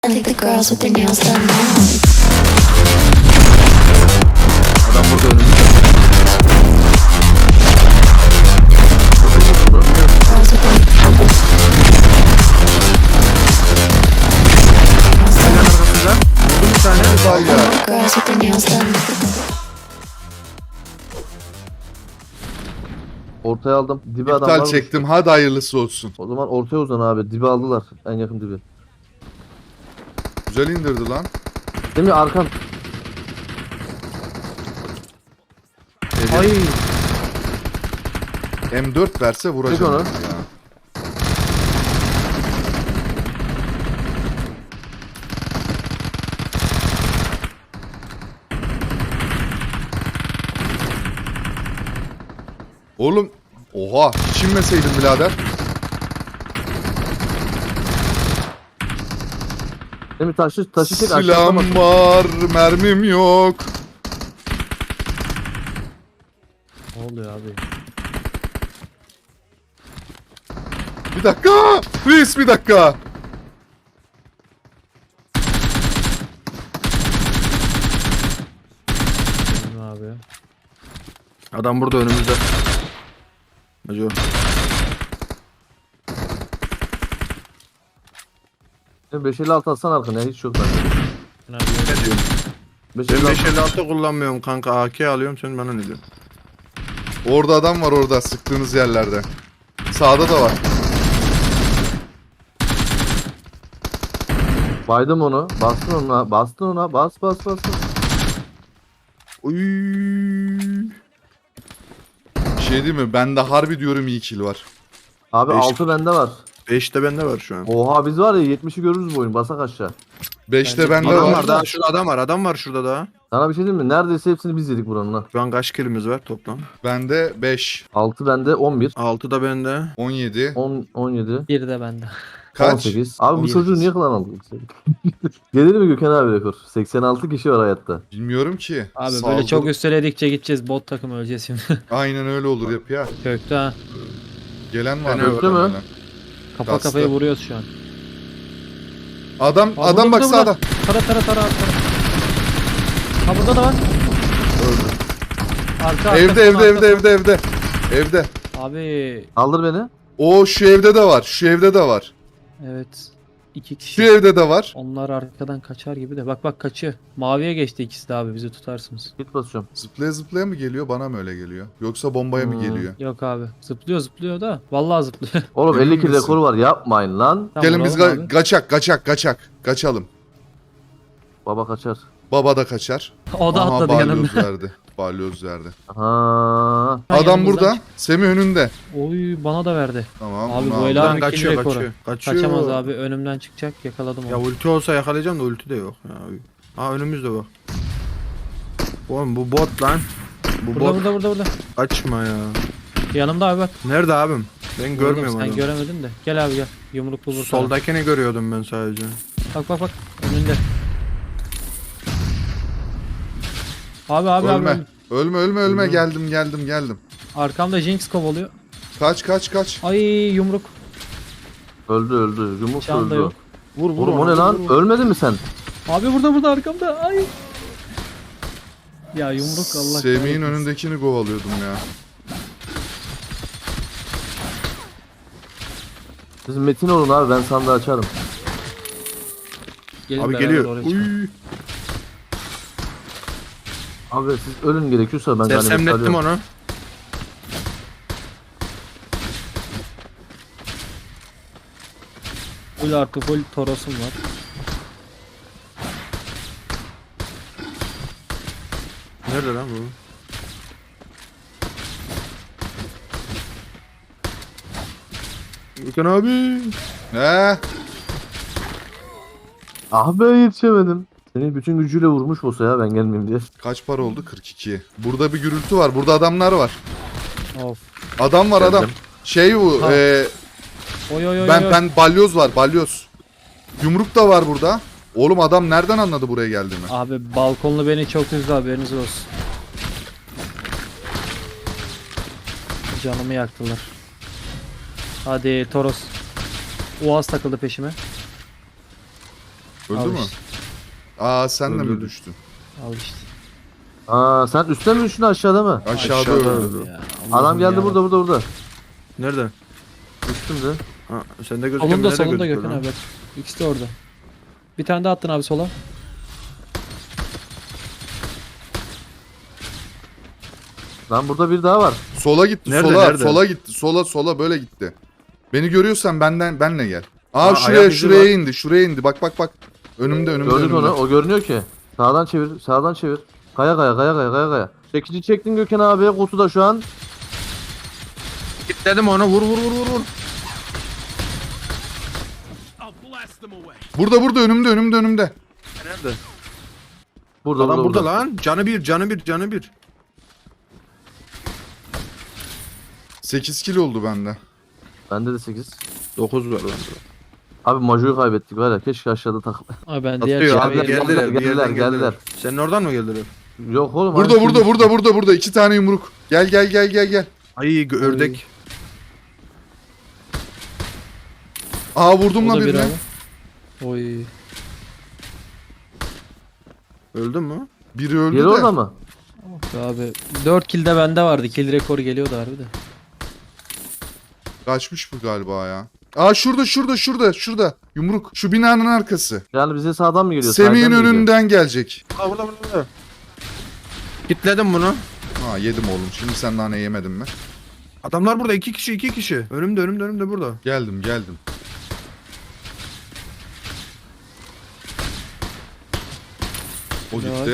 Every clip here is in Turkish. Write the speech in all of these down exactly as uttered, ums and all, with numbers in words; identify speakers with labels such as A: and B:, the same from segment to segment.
A: I think the girls with their nails done now.
B: Adam burada önümüzde.
A: Girls with their
B: Hemen arkasından. Vurdum bir tane.
C: Daha ya.
A: girls with their nails done.
B: Ortaya aldım. Dibe adam
C: İptal
B: var.
C: çektim. Hadi hayırlısı olsun.
B: O zaman ortaya uzan abi. Dibe aldılar. En yakın dibi.
C: Güzel indirdi lan.
B: Değil mi arkan?
C: Ay. M dört verse
B: Çek
C: vuracağım.
B: onu.
C: Ya. Oğlum. Oha. Hiç inmeseydin birader.
B: Değil mi taşı taşı çek aşağıda
C: Silahım
B: bak.
C: var. Mermim yok.
D: Ne oluyor abi?
C: Bir dakika. Reis bir dakika.
D: Ne abi?
E: Adam burada önümüzde. Acaba.
B: beş elli altı atsan arkana hiç yok bende.
D: Ne abi?
E: Ne diyorsun?
B: beş
E: Ben
B: elli altı.
E: beş elli altı kullanmıyorum kanka. A K alıyorum, sen bana ne diyorsun?
C: Orada adam var orada sıktığınız yerlerde. Sağda da var.
B: Baydım onu. Bastın ona. Bastın ona. Bas bas bas. bas.
E: Uy.
C: Bir şey değil mi? Bende harbi diyorum iyi kill var.
B: Abi
E: Beş-
B: altı bende var.
E: beş de bende var şu an.
B: Oha biz var ya yetmişi görürüz bu oyun. Basak aşağı.
C: beşte
D: Bence
C: bende
E: Adam
C: var.
E: var daha, şurada adam var. Adam var şurada daha.
B: Sana bir şey diyeyim mi? Neredeyse hepsini biz yedik buranın ha.
E: Şu an kaç kilimiz var toplam?
C: Bende beş.
B: altı bende on bir.
E: altı da bende.
C: on yedi.
B: on, on yedi.
D: Bir de bende.
C: Kaç?
B: on sekiz. Abi
E: on
B: bu
E: yedi.
B: çocuğu niye klan aldık? Gelir mi Gökhan abi rekor? seksen altı kişi var hayatta.
C: Bilmiyorum ki.
D: Abi
C: Saldır-
D: böyle çok üsteledikçe gideceğiz, bot takım öleceğiz şimdi.
C: Aynen öyle olur yap ya.
D: Kökte ha.
C: Gelen var.
E: Fena
C: mı?
B: öyle mi?
C: Gelen.
D: Kafa
C: Kastı.
D: kafaya vuruyoruz şu an.
C: Adam
D: Aa,
C: adam
D: burada,
C: bak
D: burada,
C: sağda.
D: burada. Tara tara tara tara. Ha burada da var. Arka, arka,
C: Evde
D: son
C: evde
D: arka,
C: evde
D: son.
C: evde evde. Evde.
D: Abi
B: Kaldır beni.
C: O şu evde de var. Şu evde de var.
D: evet. İki
C: Şu
D: kişi.
C: evde de var.
D: Onlar arkadan kaçar gibi de. Bak bak kaçıyor. Maviye geçti ikisi de abi, bizi tutarsınız.
B: Git basıyorum.
C: Zıplaya zıplaya mı geliyor? Bana mı öyle geliyor? Yoksa bombaya mı
B: Hmm.
C: geliyor?
D: Yok abi. Zıplıyor zıplıyor da. Vallahi zıplıyor.
B: Oğlum
C: Emin
B: elli kill
C: misin?
B: rekoru var yapmayın lan.
D: Tamam,
C: Gelin biz
D: vuralım
C: ga-
D: abi.
C: kaçak kaçak kaçak. Kaçalım.
B: Baba kaçar.
C: Baba da kaçar.
D: O da
C: Aha
D: atladı yanımda.
C: balyoz verdi. Balyoz verdi.
B: Ha.
D: Ha,
C: Adam
D: yanımızdan
C: burada.
D: çık-
C: Semih önünde.
D: Oy bana da verdi.
C: Tamam.
D: Abi
C: bunu
D: bu
C: aldım.
D: el-
E: Lan
D: Abi,
E: kaçıyor
D: kill rekoru.
E: kaçıyor. Kaçıyor.
D: Kaçamaz abi, önümden çıkacak, yakaladım
E: Ya
D: onu.
E: ulti olsa yakalayacağım da ulti de yok. Ya. Aa önümüzde bak. Oğlum bu bot lan. Bu
D: Burada
E: bot.
D: burada burada burada.
E: Açma ya.
D: Yanımda abi bak.
E: Nerede abim? Ben görmüyorum
D: Oğlum,
E: adamı.
D: sen göremedin de. Gel abi gel. Yumruklu vur. sana.
E: Soldakini görüyordum ben sadece.
D: Bak bak bak. Önünde. Abi abi abi.
C: Ölme.
D: abi.
C: Ölme ölme ölme. Geldim geldim geldim.
D: Arkamda Jinx kovalıyor.
C: Kaç kaç kaç.
D: Ay yumruk.
B: Öldü öldü. Yumruk
D: Şu anda
B: öldü.
D: yok.
E: Vur vur.
B: Oğlum o ne
E: ona,
B: lan?
E: vur, vur.
B: Ölmedin mi sen?
D: Abi burada burada arkamda. Ay. Ya yumruk Allah
C: Semih'in
D: kahretsin.
C: önündekini kovalıyordum ya.
B: Siz Metin olun abi ben sandığı açarım.
D: Gelin
E: Abi
D: beraber
E: geliyor.
D: oraya çıkalım.
E: Uy.
B: Abi siz ölün gerekiyorsa ben ganimet
E: Sersemlettim
B: alıyorum.
E: onu.
D: Full artı full torosum var.
E: Nerede lan bu? Gökhan abi.
C: He?
B: Ah be yetişemedim. Seni bütün gücüyle vurmuş olsa ya ben gelmeyeyim diye.
C: Kaç para oldu? kırk iki. Burada bir gürültü var. Burada adamlar var.
D: Of.
C: Adam var adam.
B: Geldim.
C: Şey bu.
D: Ha.
C: E,
D: Oy oy oy.
C: ben
D: oy.
C: ben balyoz var balyoz. Yumruk da var burada. Oğlum adam nereden anladı buraya geldiğimi?
D: Abi balkonlu beni çok üzdü, haberiniz olsun. Canımı yaktılar. Hadi Toros. Uaz takıldı peşime.
C: Öldü
D: Al
C: mü?
D: işte.
C: Aa sen de mi
E: Öldürdü.
C: düştün?
D: Al işte.
B: Aa sen üstte mi düştün aşağıda mı?
C: Aşağıda,
E: Aşağıda
C: öldü.
E: öldü.
D: Ya,
B: Adam
D: Allah'ım
B: geldi
D: ya.
B: burada burada burada.
E: Nerede?
B: Üstümde.
E: Ha, sende gözüküyor.
D: Solunda
E: nerede
D: solunda
E: gözüküyor
D: Gökhan
E: lan?
D: abi bak. İkisi de orada. Bir tane daha attın abi sola.
B: Lan burada bir daha var.
C: Sola gitti
E: Nerede,
C: sola
E: nerede?
C: sola gitti sola sola böyle gitti. Beni görüyorsan benden benle gel. Aa,
E: Aa,
C: şuraya
E: ayak izi
C: şuraya
E: var.
C: indi şuraya indi bak bak bak. Önümde önümde
B: Gördük
C: önümde.
B: onu. O görünüyor ki. Sağdan çevir. Sağdan çevir. Kaya kaya kaya kaya kaya kaya. Çekici çektin Gökhan abi. Kutuda şu an.
E: Dedim ona vur vur vur vur vur.
C: Burada burada önümde önümde önümde.
E: Nerede?
B: Burada
E: Adam
B: burada,
E: burada
B: burada.
E: lan. Canı bir, canı bir, canı bir.
C: sekiz kilo oldu bende.
B: Bende de sekiz.
E: dokuz var bende.
B: Abi Majo'yu kaybettik var ya. Keşke aşağıda takıl.
D: Abi ben diğer
E: Atıyor
D: çekmeye
E: abi
B: geldiler,
E: geldiler, bir
B: geldiler,
E: yerden geldiler.
B: geldiler.
E: Senin oradan mı geldiler?
B: Yok oğlum.
C: Burada
B: aynı
C: burada
B: şey-
C: burada burada burada iki tane yumruk. Gel gel gel gel gel.
E: Ay gö- ördek.
C: Aa vurdum
D: O
C: lan
D: da bir
C: birine.
D: abi. Oy.
E: Öldün mü?
C: Biri öldü
B: Yeri
C: de.
B: orada mı?
D: Abi dört kill de bende vardı. Kill rekoru geliyordu harbi de.
C: Kaçmış bu galiba ya. Aa şurada şurada şurada şurada. Yumruk. Şu binanın arkası.
B: Yani bize sağdan mı geliyor?
C: Semih'in
B: sahilden mi geliyor?
C: önünden gelecek.
E: Aa burada burada burada. Kitledim bunu.
C: Ha yedim oğlum. Şimdi sen nane yemedin mi?
E: Adamlar burada iki kişi iki kişi. Önümde önümde önümde burada.
C: Geldim geldim. O
D: Ne
C: gitti.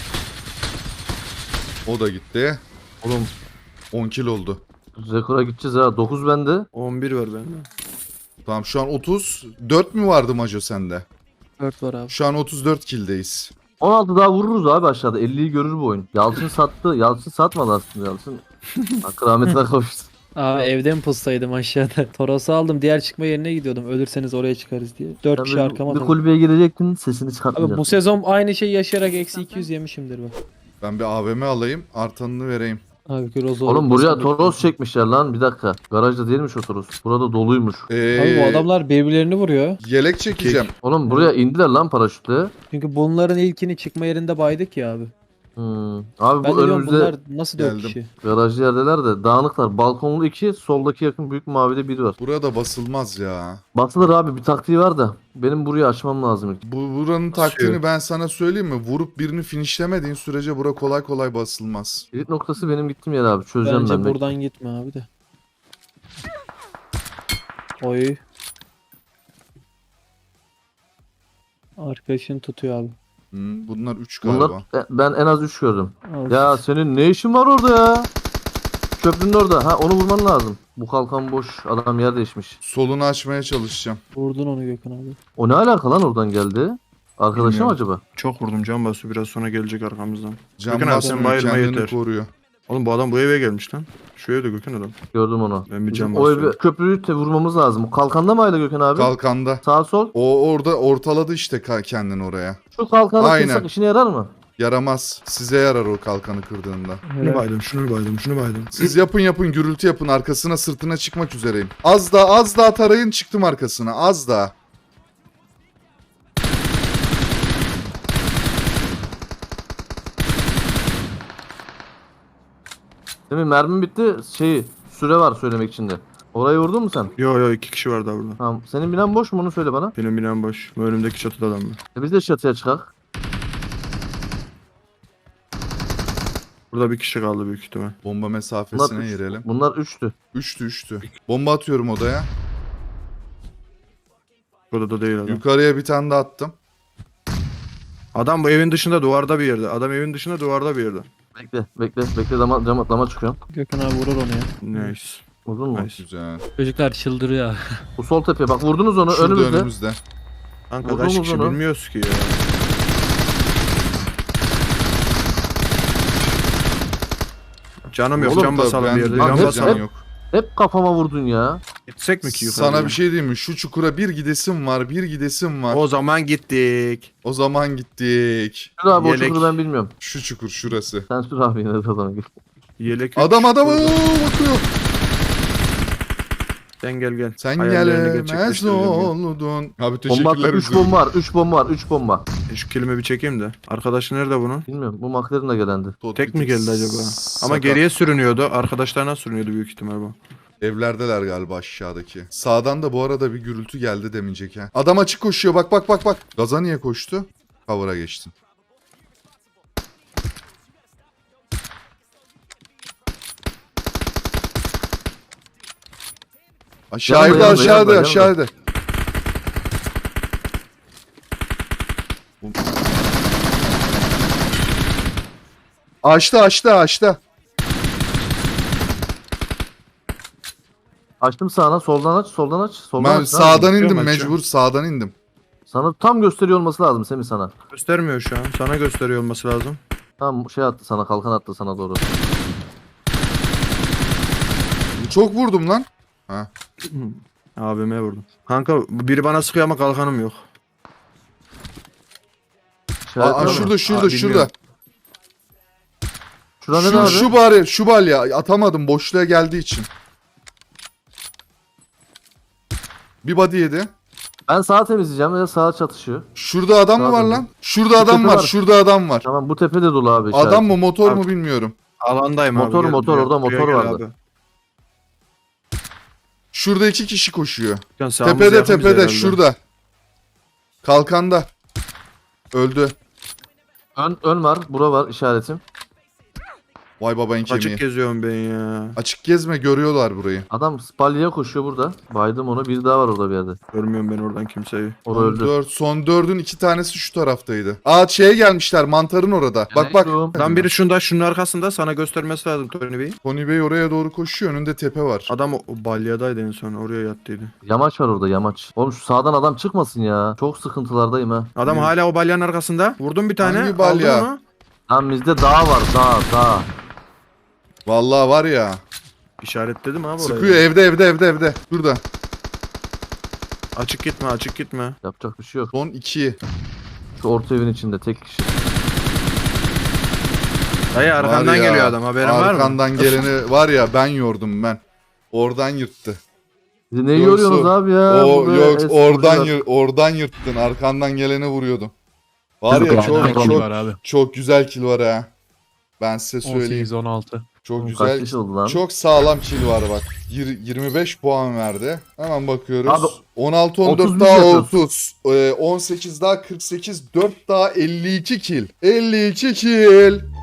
C: O da gitti.
B: Oğlum
C: on kill oldu.
B: rekora gideceğiz ha. dokuz bende.
E: on bir var bende.
C: Tamam şu an otuz dört mü vardı Maco sende?
D: dört var abi.
C: Şu an otuz dört kill'deyiz.
B: on altı daha vururuz abi aşağıda. elliyi görür bu oyun. Yalçın sattı. Yalçın satmadı aslında Yalçın. Hakkı rahmetine kavuştu.
D: Abi evde mi pussaydım aşağıda? Toros'u aldım. Diğer çıkma yerine gidiyordum. Ölürseniz oraya çıkarız diye. dört
B: Sen
D: kişi
B: bir,
D: arkama
B: bir
D: takıldı.
B: kulübeye girecektin sesini
D: Abi
B: çıkartmayacaktın.
D: bu sezon aynı şeyi yaşayarak eksi iki yüz yemişimdir bak.
C: Ben bir A V M alayım artanını vereyim.
D: Abi Grozo.
B: Oğlum buraya Toros çekmişler lan bir dakika. Garajda değilmiş o Toros. Burada doluymuş.
C: Ee,
D: Abi bu adamlar birbirlerini vuruyor.
C: Yelek çekeceğim.
B: Oğlum buraya indiler lan paraşütle.
D: Çünkü bunların ilkini çıkma yerinde baydık ya abi.
B: Hmm. Abi
D: Ben
B: bu
D: de diyorum
B: önümüzde
D: bunlar nasıl dört
C: Geldim.
D: kişi?
B: garajlı yerdeler de dağınıklar. Balkonlu iki, soldaki yakın büyük mavide biri var.
C: Burada basılmaz ya.
B: Basılır abi bir taktiği var da. Benim burayı açmam lazım ilk.
C: Bu buranın taktiğini ben sana söyleyeyim mi? Vurup birini finishlemediğin sürece bura kolay kolay basılmaz.
B: Kilit noktası benim gittiğim yer abi. Çözeceğim
D: Bence
B: ben. de.
D: buradan gitme abi de. Oy. Arkadaşın tutuyor abi.
C: Hmm, bunlar üç galiba.
B: Bunlar e, ben en az üç gördüm.
D: Al.
B: Ya senin ne işin var orada ya? Köprünün orada. Ha onu vurman lazım. Bu kalkan boş. Adam yer değişmiş.
C: Solunu açmaya çalışacağım.
D: Vurdun onu Gökhan abi.
B: O ne alaka lan oradan geldi? Arkadaşı mı
C: Bilmiyorum.
B: acaba?
E: Çok vurdum can bası biraz sonra gelecek arkamızdan.
C: Can
E: Gökhan abi,
C: basmıyor,
E: sen bayılma
C: kendini
E: yeter.
C: koruyor.
E: Oğlum bu adam bu eve gelmiş lan. Şu evde Gökhan adam.
B: Gördüm onu.
E: Ben bir
B: Bizim
E: can
B: o
E: basıyorum.
B: evi, köprüyü te vurmamız lazım. O kalkanda mı hala Gökhan abi?
C: Kalkanda.
B: Sağ sol.
C: O orada ortaladı işte ka- kendini oraya.
B: Şu kalkanı
C: Aynen.
B: kırsak işine yarar mı?
C: Yaramaz. Size yarar o kalkanı kırdığında.
E: Şunu baydım, şunu baydım, şunu baydım.
C: Siz yapın yapın gürültü yapın. Arkasına sırtına çıkmak üzereyim. Az daha az daha tarayın çıktım arkasına. Az daha.
B: Değil mi? Mermim bitti. Şeyi süre var söylemek için de. Orayı vurdun mu sen?
E: Yo yo iki kişi var daha burada.
B: Tamam. Senin binen boş mu onu söyle bana.
E: Benim binam boş. Bu önümdeki çatıda adam var.
B: E biz de çatıya çıkak.
E: Burada bir kişi kaldı büyük ihtimal.
C: Bomba
B: Bunlar,
C: mesafesine
B: üç,
C: girelim.
B: bunlar üçtü.
C: Üçtü üçtü. Bomba atıyorum odaya.
E: Burada da değil adam.
C: Yukarıya bir tane daha attım.
E: Adam bu evin dışında duvarda bir yerde. Adam evin dışında duvarda bir yerde.
B: Bekle bekle bekle dama, dama, dama çıkıyorum.
D: Gökhan abi vurur onu ya.
E: Nice.
B: Vurdun mu?
E: Nice.
C: Güzel.
D: Çocuklar çıldırıyor.
B: Bu sol tepeye bak vurdunuz onu
C: Şurada
B: önümüzde.
C: önümüzde.
E: Kanka
B: Vurdun
E: kaç
B: mu
E: kişi
B: bunu?
E: bilmiyoruz ki ya. Canım yok
B: Oğlum
E: can
C: da
E: basalım bir
C: bende
E: yerde.
B: Lan
E: Can
C: de
B: hep-
E: basalım.
C: can yok.
B: Hep kafama vurdun ya.
E: Gitsek mi ki yukarı?
C: Sana bir şey diyeyim mi? Şu çukura bir gidesim var, bir gidesim var. O,
E: O zaman gittik.
C: zaman gittik.
B: Şur abi
E: Yelek.
B: o çukuru ben bilmiyorum.
C: Şu çukur şurası.
B: Sen sür abi yine de o zaman.
E: Yelek
C: Adam adam
E: Burada.
C: oo, bakıyor.
E: Sen gel gel.
C: Sen
E: Hayallerini
C: gelemez
E: gerçekleştireceğim ya.
C: oldun. Abi
B: Bomba
C: teşekkürler.
B: üç bomba var. üç bomba var. üç bomba.
E: E, Şu kelime bir çekeyim de. Arkadaşı nerede bunun?
B: Bilmiyorum. Bu McLaren de gelendi.
E: Tek mi geldi acaba? Ama
C: Sakat.
E: geriye sürünüyordu. Arkadaşlarına sürünüyordu büyük ihtimal bu.
C: Evlerdeler galiba aşağıdaki. Sağdan da bu arada bir gürültü geldi demincek ha. Adam açık koşuyor bak bak bak bak. Gaza niye koştu? Cover'a geçtin. Aşağıda
B: Yanma, yanma,
C: aşağıda
B: yanma,
C: aşağıda. Açtı açtı açtı.
B: Açtım sağına. Soldan aç. Soldan aç. Soldan
C: Ben
B: aç.
C: sağdan indim
E: Bakıyorum,
C: mecbur sağdan indim.
B: Sana tam gösteriyor olması lazım Semih sana.
E: Göstermiyor şu an. Sana gösteriyor olması lazım.
B: Tam şey attı sana. Kalkan attı sana doğru.
C: Çok vurdum lan. Ha.
E: Abime vurdum. Kanka biri bana sıkıyor ama kalkanım yok.
B: İşaret
C: Aa,
B: var mı?
C: şurada şurada
E: Aa,
C: şurada.
E: bilmiyorum.
B: Şurada ne
C: Şu,
B: abi?
C: şu bari şu bal ya atamadım boşluğa geldiği için. Bir body yedi.
B: Ben sağa temizleyeceğim. Ya sağa çatışıyor.
C: Şurada adam mı
B: Sağ
C: var
B: dön.
C: lan? Şurada adam
B: tepe
C: var,
B: var.
C: şurada adam var.
B: Tamam bu tepe de dolu abi. işaret.
C: Adam mı motor
E: Abi.
C: mu bilmiyorum.
E: Alandayım
B: Motor,
E: abi. gel
B: motor,
E: buraya.
B: orada
E: Buraya
B: motor
E: gel
B: vardı.
E: abi.
C: Şurada iki kişi koşuyor.
E: Dükkan sağımız
C: Tepede
E: yakın bize
C: tepede
E: herhalde.
C: şurada. Kalkanda. Öldü.
B: Ön, ön var. Bura var işaretim.
C: Vay babayın kemiği.
E: Açık geziyorum ben ya.
C: Açık gezme görüyorlar burayı.
B: Adam spalyaya koşuyor burada. Baydım onu. Bir daha var orada bir yerde.
E: Görmüyorum ben oradan kimseyi.
B: O da
C: Son,
B: öldü.
C: dört, son dördün iki tanesi şu taraftaydı. Aa şeye gelmişler mantarın orada. Bak bak.
B: Geliyorum.
E: Lan biri şunda şunun arkasında sana göstermesi lazım Tony Bey.
C: Tony Bey oraya doğru koşuyor. Önünde tepe var.
E: Adam o, o balyadaydı en son oraya yattıydı.
B: Yamaç var orada yamaç. Oğlum şu sağdan adam çıkmasın ya. Çok sıkıntılardayım ha.
E: Adam
C: Ne?
E: hala o balyanın arkasında. Vurdum bir tane.
C: Hangi balya?
E: Aldın onu.
B: Lan bizde dağ var dağ dağ.
C: Vallahi var ya.
E: İşaretledim abi orayı.
C: Sıkıyor evde evde evde evde. Şurada.
E: Açık gitme açık gitme.
B: Yapacak bir şey yok.
C: Son iki.
B: Şu orta evin içinde tek kişi.
E: Dayı
C: Var
E: arkandan
C: ya,
E: geliyor adam haberin var mı?
C: Arkandan geleni var ya ben yordum ben. Oradan yırttı.
B: Siz ne
C: Yoksa-
B: yoruyorsunuz abi ya?
C: O
B: Burada
C: yok
B: eski
C: oradan
B: hocalar.
C: yır, oradan yırttın. Arkandan geleni vuruyordum. Var ya
B: Yok,
C: çok
B: aynen.
C: çok
F: kill var abi.
C: çok güzel kill var ha. Ben size söyleyeyim.
F: on sekiz on altı.
C: Çok
B: Oğlum,
C: güzel.
B: Kaç kişi oldu lan?
C: Çok sağlam kill var bak. Yir- yirmi beş puan verdi. Hemen bakıyoruz.
B: Abi,
C: on altı on
B: otuz
C: dört
B: bir
C: daha
B: yapıyoruz.
C: otuz. Ee, on sekiz daha kırk sekiz. dört daha elli iki kill. elli iki kill.